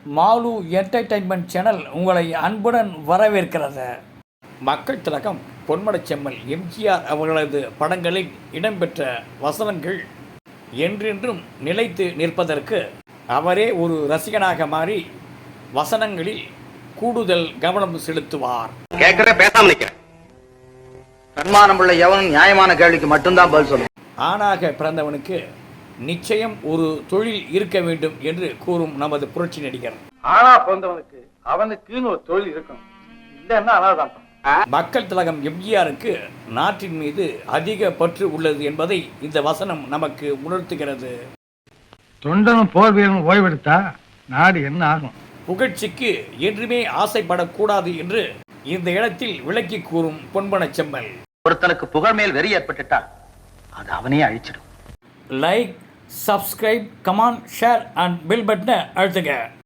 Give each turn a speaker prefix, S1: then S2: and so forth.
S1: Mall entertainment channel உங்களை அன்புடன் வரவேற்கிறது. மக்கள் திலகம் பொன்மனச்செம்மல் எம்ஜிஆர் அவர்களது படங்களில் இடம்பெற்ற வசனங்கள் என்றென்றும் நிலைத்து நிற்பதற்கு அவரே ஒரு ரசிகனாக மாறி வசனங்களில் கூடுதல் கவனம் செலுத்துவார்.
S2: சன்மானமுள்ள எவனும் நியாயமான கேள்விக்கு மட்டும்தான் பதில் சொல்லும்.
S1: ஆணாக பிறந்தவனுக்கு நிச்சயம் ஒரு தொழில் இருக்க வேண்டும் என்று கூறும் நமது புரட்சி நடிகர்.
S3: ஆனா பிறந்தவனுக்கு அவனுக்குன்னு ஒரு தொழில் இருக்கணும், இல்லைன்னா அனாதான்.
S1: மக்கள் திலகம் எம்ஜிஆருக்கு நாட்டின் மீது அதிக பற்று உள்ளது என்பதை இந்த வசனம் நமக்கு உணர்த்துகிறது.
S3: தொண்டனும் போர் வீரனும் ஓய்வெடுத்தா நாடு என்ன ஆகும்?
S1: புகழ்ச்சிக்கு என்றுமே ஆசைப்படக்கூடாது என்று இந்த இடத்தில் விளக்கி கூறும் பொன்மனச்செம்மல்.
S2: ஒருத்தனுக்கு புகழ் மேல் வெறி ஏற்பட்டுட்டால் அது அவனையே அழிச்சிடும்.
S1: Like, subscribe, comment, share and bell பட்டனை அழுத்துங்க.